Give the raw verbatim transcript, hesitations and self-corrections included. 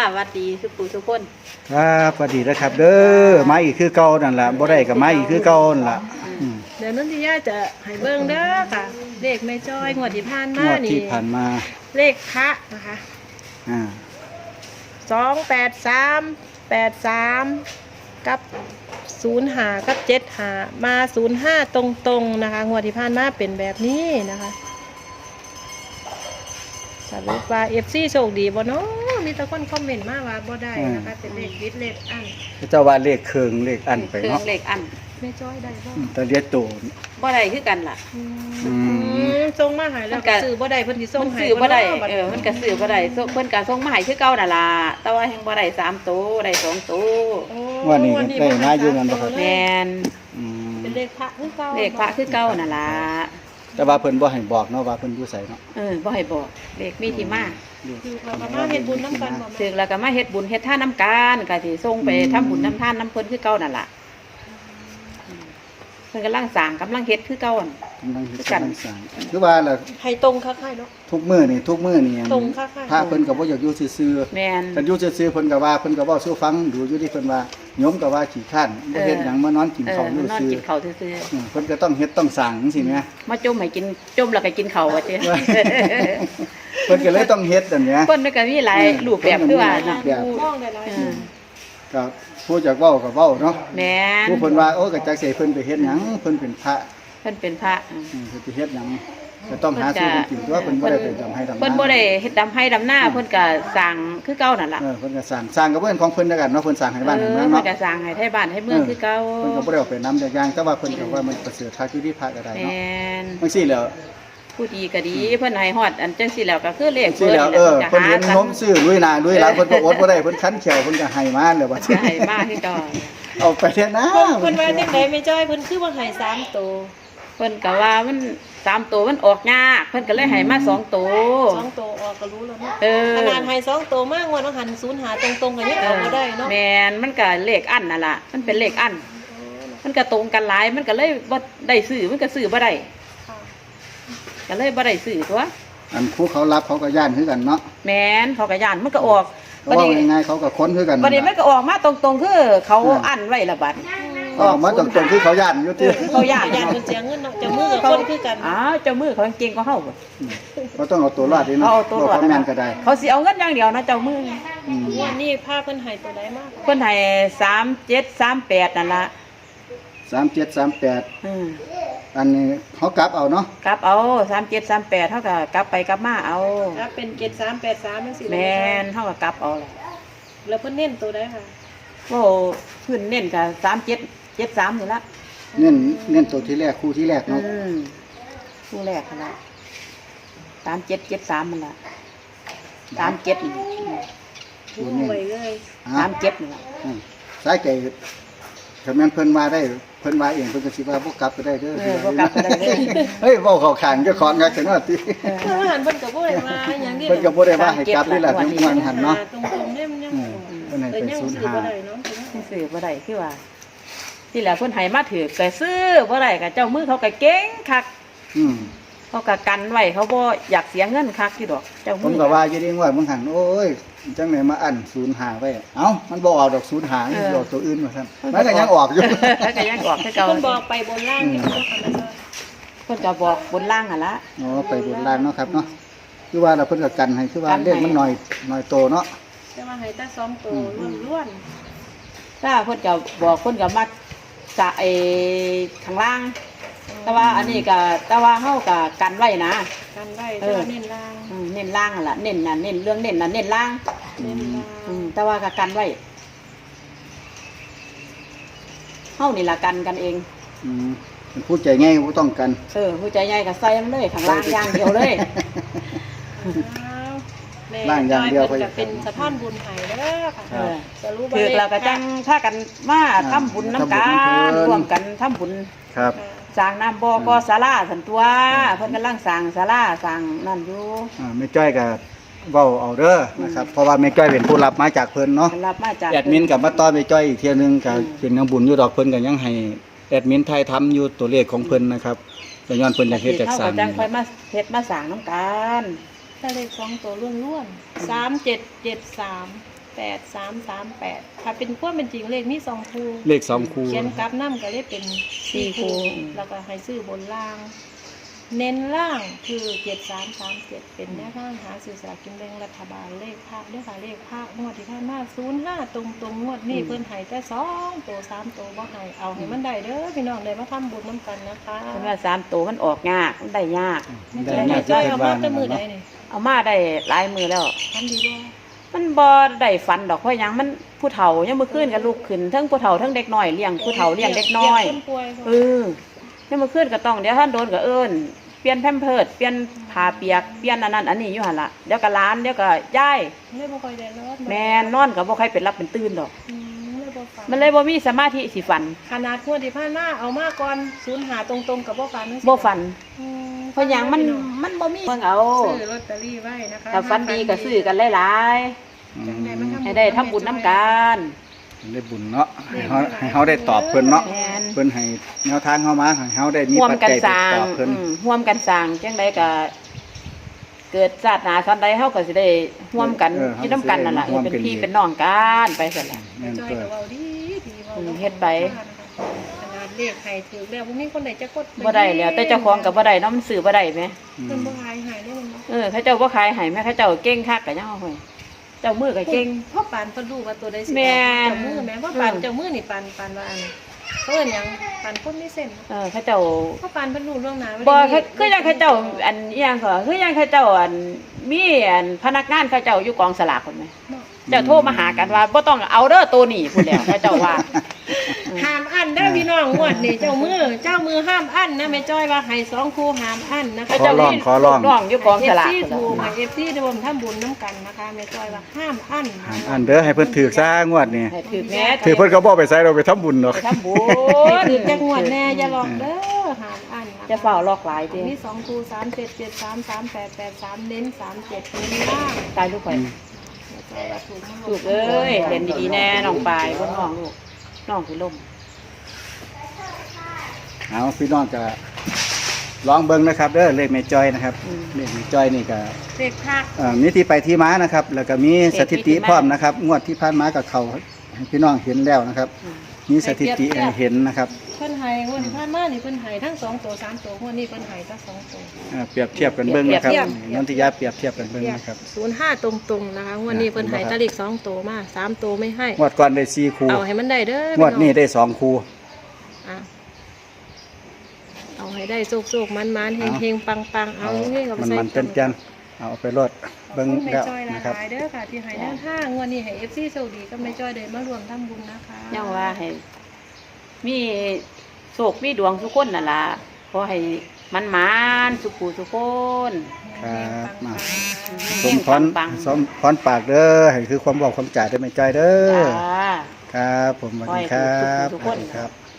สวัสดีทุกผู้ทุกคนครับสวัสดีนะครับเด้อมาอีกคือเก่านั่นล่ะบ่ได้ก็มาอีกคือเก่านั่นล่ะอืมเดี๋ยวนั้นที่ย่าจะให้เบิ่งเด้อค่ะ เลขแม่จ้อยงวดที่ผ่านงมาวดนี่ที่ผ่านมาเลขพระนะคะอ่าสองแปดสามแปดสามกับศูนย์หากับเจ็ดหามาศูนย์ห้าตรงๆนะคะงวดที่ผ่านมาเป็นแบบนี้นะคะสรุปว่าเอฟซีโชคดีบ่เนาะมีแต่คนคอมเมนต์มาว่าบ่ได้นะคะเป็นเลขวิทย์เลขอันเจ้าว่าเลขเครื่องเลขอันไปเครื่อเนาะงเหล็กอันแม่จ้อยได้บ่อืมแต่เรียกโตบ่ได้คือกันล่ะอือืมส่งมาให้แล้วมันก็ซื้อบ่ได้เพิ่นสิส่งมันให้ซื้อบ่ได้นาะเออมันก็ซื้อบ่ได้ส่งเพิ่นก็ส่งมาให้คือเก่านั่นล่ะแต่ว่ายังบ่ได้สามตัวได้สองตัวโอ้ว่านี่ก็ได้มาอยู่นั่นบ่ครับแม่นอืมเป็นเลขพระคือเก่าเลขพระคือเก่านั่นล่ะแต่ว่าเพิ่นบ่ให้บอกเนาะว่าเพิ่นอยู่ไสเนาะเออบ่ให้บอกเลขมีที่มาคือเราก็มาเฮ็ดบุญน้ำกันบ่ถึแม่งแล้วก็มาเฮ็ดบุญเฮ็ดทานน้ำกันก็สิส่งไปทำบุญทำทานน้ำเพิ่นคือเก่านั่นล่ะอืมเพิ่นกำลังสร้างกำลังเฮ็ดคือเก่านั่นกำลังเฮ็ดกำลังสร้างคือว่าล่ะให้ตรงคักให้เนาะทุกมื้อนี่ทุกมื้อนี่ตรงค่ะค่ะพระเพิ่นก็บ่อยากอยู่ซื่อแม่นๆเพิ่นอยู่ซื่อๆเพิ่นก็ว่าเพิ่นก็เว้าสู่ฟังดูอยู่ที่เพิ่นว่าโยมก็ว่าขี้ข้านบ่เฮ็ดหยังมานอนกินเออข้าวอยู่นอนซื่อกินข้าวซื่ออืมเพิ่นก็ต้องเฮ็ดต้องสั่งจังซี่แหมๆมาจมให้กินจมแล้วก็กินข้าวว่าเจ้เพิ่นก็เลยต้องเฮ็ดอันเนี้ยเพิ่นก็มีหลายรูปแบบคือว่าน่ะแบบมองได้หลายเอสิ่องก็ผู้จักเว้าก็เว้าเนาะแม่นผู้เพิ่นว่าโอ้ก็จักสิให้เพิ่นไปเฮ็ดหยังเพิ่นเป็นพระเพิ่นเป็นพระอืมอืมเพิ่นไปเฮ็ดหยังก็ต้องหาซื้อกินตัวเพิ่นบ่ได้ไปทำให้ทำนาเพิ่นบ่ได้เฮ็ดดำให้ดำหน้าเพิ่นก็สร้างคือเก่านั่นล่ะเออเพิ่นก็สร้างสร้างก็เพิ่นของเพิ่นแล้วกันเนาะเพิ่นสร้างให้บ้านให้เมืองเพิ่เนาะนก็สร้างให้ไทบ้านให้เมืองคือเก่าเพิ่นก็บ่ได้เอาไปนำอย่างแต่ว่าเพิ่นก็ว่ามันประเสริฐทักอยู่ที่พระก็ได้แมเนาะ่นจังซี่แล้วผู้ดีก็ดีเพิ่นให้ฮอดอันจังซี่แล้วก็คือเลขจังซี่แล้วเออเพิ่นเห็นนมซื้อลุยหน้าลุยหลังเพิ่นก็อดบ่ได้เพิ่นคันแขวเพิ่นก็ให้มาแล้วว่าก็ให้มาคือเก่าเอาไปเถอะนะเพิ่นเพิ่นว่าจังไดแม่จ้อยเพิ่นคือว่าให้สามตัวเพิ่นก็ว่ามันสามตัวมันออกยากเพิ่นก็เลยให้มาสองตัวสองตัวออกก็รู้แล้วเนาะเออขนาดให้สองตัวมากงวดต้องหันศูนย์หาตรงๆกันยังออกบ่ได้เนาะแมนมันก็เลขอันนั่นล่ะมันเป็นเลขอัน มันก็ตรงกันหลายมันก็เลยบ่ได้ซื้อมันก็ซื้อบ่ได้ค่ะก็เลยบ่ได้ซื้อตัวอันผู้เขารับเขาก็ย่านคือกันเนาะแมนเขาก็ย่านมันก็ออกเขาว่าง่ายๆเขาก็ค้นคือกันบัดนี้มันก็ออกมาตรงๆคือเขาอันไว้ละบัดออกมาตรงๆคือเขาย่านอยู่ที่คือเขาย่านญาติเพิ่นเสียเงินเนาะจะมือกับคนคือกันอ้าวเจ้ามือเขาเก่งกว่าเฮาบ่เขาต้องเอาตัวรอดดิเนาะเอาตัวรอดบ่เขาแม่นก็ได้เขาสิเอาเงินอย่างเดียวนะเจ้ามืออืมงวดนี้พาเพิ่นให้ตัวใดมากเพิ่นให้สามเจ็ดสามแปดนั่นล่ะสามเจ็ดสามแปดอืมอันนี้เขากลับเอาเนาะกลับเอาสามเจ็ดสามแปดเท่ากับกลับไปกลับมาเอาถ้าเป็นเจ็ดสามแปดสามจังซี่แมนเท่ากับกลับเอาแหละแล้วเพิ่นเน้นตัวใดค่ะโอ้ขึ้นเน้นกับสามเจ็ดเจ็ดสามนี่ละเน้นเน้นตัวที่แรกคู่ที่แรกอืเนาะมคู่แรกนั่นละสามเจ็ดเจ็ดสามมันละสามเจ็ดนี่ตัววงนี้ไว้เลยอ่ะสามเจ็ดนี่ละอืมสายใจถ้าแม่นเพิ่นมาได้เพิ่นมาเองเพิ่นก็สิว่าบ่กลับก็ได้เด้อเออพกลับก็ได้เลยเฮ้ยเว้าเข้าข้างเจ้าของงักจังเนาะติเออเพิ่นหันเพิ่นก็บ่ได้มาหยังนี่เพิ่นก็บ่ได้ว่าให้กลับนี่แหละทั้งมวลหันเนาะตรงๆเนี่ยมันยังอืมเพิ่นให้เออไปยังศูนย์ซื้อห้าบ่ได้เนาะซื้อบ่ได้คือว่า ที่แหละเพิ่นให้มาถือก็ซื้อบ่ได้กับเจ้ามือเขาก็เก่งคักอืมเขาก็กันไว้เขาบ่อยากเสียเงินคักที่ดอกเจ้าผมืมอก็ว่าอยู่ดีว่ามึงหันโอ้ยจังไหนมาอันศูนย์ห้าไว้เอ้ามันบ่ออกดอกศูนย์ห้านี่สิออกตัวอื่นว่าซั่นมันก็ยังออกอยู่แล้วก็ยังออกคือเก่าเพิ่นบอกไปบนล่างนี่เพิ่นก็ทำได้เพิ่นก็บอกบนล่างหั่นละอ๋อไปบนล่างเนาะครับเนาะคือว่าเราเพิ่นก็กันให้คือว่ากันให้เลขมันน้อยน้อยโตเนาะแต่ว่าให้แต่สองตัวล้วนถ้าเพิ่นก็บอกเพิ่นก็มักจะไอ้ข้างล่าง แต่ว่าอันนี้ก็แต่ว่าเฮาก็กันไว้นะๆกันได้แต่ว่าเน้นล่างอืมเน้นล่างนั่นล่ะเน้นน่ะเน้นเรื่องเน้นน่ะเน้นล่างเน้นล่างอืมแต่ว่าก็กันไว้เฮานี่ล่ะกันกันเองอืมเป็นผู้ใจง่ายบ่ต้องกันเออผู้ใจใหญ่ก็ใส่มันเลยข้างล่างอย่างเดียวเลยอ้าวแม่ล่างอย่างเดียวเพิ่นก็เป็นสะพานบุญให้เด้อค่ะเออสรุปว่าคือเราก็จังพากันมาทำบุญน้ำกันร่วมกันทำบุญครับสร้างน้ำบ่อก็ศาลาสันตัวเพิ่นกำลังสร้างศาลาสร้างนั่นอยู่อ่าแม่จ้อยก็เว้าเอาเด้อนะครับเพราะว่าแม่จ้อยเป็นผู้รับมาจากเพิ่นเนาะเพิ่นรับมาจากแอดมินกับมาต้อนแม่จ้อยอีกเที่ยนึงก็อืมเป็นนังบุญอยู่ดอกเพิ่นก็ยังให้แอดมินไทยทำอยู่ตัวเลขของเพิ่นนะครับแต่ย้อนเพิ่นอยากเฮ็ดจากเฮาสร้าก็งจังนี่ค่อยมาเฮ็ดมาสร้างน้ำกันถ้าเลขสองตัวล้วนๆสามเจ็ดเจ็ดสามแปดสามสามแปดถ้าเป็นความเป็นจริงเลขมีสองคู่เลขสองคู่เขียนกลับน้ำก็เลยเป็นสี่คู่แล้วก็ให้ซื้อบนล่าง เน้นล่างคือเจ็ดสามสามเจ็ดเป็นแนวทางหาสื่อสลารกินแบ่งรัฐบาลเลขภาคด้วยค่ะเลขภาคงวดที่ผ่านมาศูนย์ห้าตรงตรงงวดนี้เพิ่นให้แต่สองตัวสามตัวบ่ให้เอาให้มันได้เด้อพี่น้องได้มาทำบุญน้ำกันนะคะเพิ่นว่าสามตัวมันออกยากมันได้ยากไม่ได้ใช่มาไม่จะใช่เพิ่นเอาว่ามาแต่มือใดเนาะนี่เอามาได้หลายมือแล้วทำดีบ่มันบ่ได้ฝันดอกเพราะหยังมันผู้เฒ่ายังมื้อคืนก็ลุกขึ้นทั้งผู้เฒ่าทั้งเด็กน้อยเลี้ยงผู้เฒ่าเลี้ยงเด็กน้อยเลี้งคนป่วยเออยังมื้อคืนก็ต้องเดี๋ยวท่านโดนก็เอิ้นเปลี่ยนแพมเพิร์สเปลี่ยนผ้าเปียกเปลี่ยนอันนั้นอันนี้อยู่หั่นล่ะเดี๋ยวก็หลานเดี๋ยวก็ยายเลยบ่ค่อยได้นอนแม่นอนก็บ่ใครเป็นรับเป็นตื่นดอกอืมเลยบ่ฝันมันเลยบ่มีสมาธิสิฝันขนาดงวดที่ผ่านมาเอามาก่อนศูนย์หาตรงๆกับบ่ฝันบ่ฝันอืมเพราะหยังมันมันบ่มีเพิ่งเอาซื้อลอตเตอรี่ไว้นะคะถ้าฝันดีก็ซื้อกันหลายจังได้มาๆให้ได้ทำบุญน้ำกันได้บุญเนาะให้เฮาให้เฮาได้ตอบเพิ่นเนาะแม่นเพิ่นให้แนวทางเฮามาให้เฮาได้มีร่วมปัจกันจัยสไปร้างตอบเพิ่นอืมร่วมกันสร้างจังไดก็เกิดชาติหน้าสันใดเฮาก็สิได้ร่วมกันอยู่นํกันนั่นล่ะเฮ็ดเป็นพี่เป็นน้องกันไปซั่นล่ะแม่นจอยเพิ่นก็เว้าดีดีเว้าอืมเฮ็ดไปขนาดเลขให้ถือแล้วบ่มีคนใดจะกดบ่ได้แล้วแต่เจ้าของก็บ่ได้เนาะมันซื้อบ่ได้แหมเพิ่นบ่หายหายได้มันบ่เออเขาเจ้าบ่ขายให้แม่เขาเจ้าเก่งคักก็ยังเอาให้เจ้ามือก็เก่งพ่อปานเพิ่นรู้ว่าตัวใดสิแม่นเจ้ามือแม่ว่าปานอืมเจ้ามือนี่ปานปานว่าอันเขาเอิ้นหยังปานคนมีเส้นเออเขาเจ้าพ่อปานเพิ่นรู้เรื่องหน้าบ่คือคือยังเขาเจ้าอันอีหยังก็คือยังเขาเจ้าอันมีอันพนักงานเขาเจ้าอยู่กองสลากพุ่นแหมเนาะเจ้าโทรมาหากันว่าบ่ต้องเอาเด้อตัวนี้พุ่นแล้วเขาเจ้าว่าห้ามอั้นเด้อพี่น้องงวดนี่เจ้ามือเจ้ามือห้ามอั้นนะแม่จ้อยว่าให้สองคู่ห้ามอั้นนะเขาคะเจ้ามีลูกน้องอยู่กองสลากเอฟซีพุ่นถูกล่ะเอฟซีรวมทำบุญน้ำกันนะคะแม่จ้อยว่าห้ามอั้นห้ามอันเด้อให้เพิ่นถือซะงวดนี้ให้ถือแม่ถือเพิ่นก็บ่ไปใส่เราไปทำบุญดอกไปทำบุให้ญถือจังหวัดแน่อย่าหลอกเด้อห้ามอั้นนคจะเฝ้าลอกหลายติมีสองคู่สามเจ็ดเจ็ดสามสามแปดแปดสามเน้นสามเจ็ดเน้นล่างตายลูกข่อยแม่จ้อยว่าถูกลูกเอ้ยเล่นดีๆแน่น้องปลายบ่น้องลูกน้องสิล่มเอาพี่น้องก็ลองเบิ่งนะครับเด้อเลขแม่จ้อยนะครับเลขแม่จ้อยนี่ก็เลขภาคเอ่อมีที่ไปที่มานะครับ แล้วก็มีสถิติพร้อมนะครับ งวดที่ผ่านมากับเขาให้พี่น้องเห็นแล้วนะครับ มีสถิติให้เห็นนะครับเพิ่นให้งวดที่ผ่านมานี่เพิ่นให้ทั้งสองตัวสามตัวงวดนี้เพิ่นให้ทั้งสองตัวเอ่อเปรียบเทียบกันเบิ่งนะครับเปรียบเทียบนนทิยาเปรียบเทียบกันเบิ่งนะครับศูนย์ห้าตรงๆนะคะงวันนี้เพิ่นให้ตะลิกสองตัวมาสามตัวไม่ให้งวดก่อนได้สี่คู่เอาให้มันได้เด้องวดนี้ได้สองคู่อ่ะเอาให้ได้โชคๆมันๆเฮงๆปังๆเอาเงี้ยกับมันใส่มันเป็นจันเอาไปรดเบิ่งแม่แล้วจ้อยหนะครับลายๆเด้อค่ะที่ให้แนวทางงวันนี้ให้ เอฟ ซี โชคดีกับแม่จ้อยได้มารวมทำบุญนะคะยังว่าให้มีโชคมีดวงทุกคนนั่นล่ะขอให้มันหมานสุขูสุกคนครับมาเฮสงมๆพปังรสมพรปากเด้อให้คือความบอกความจ่ายได้ไม่ใจเด้อจ้าครับผมสวัสดีครับขอให้ทุกๆทุกคนครับ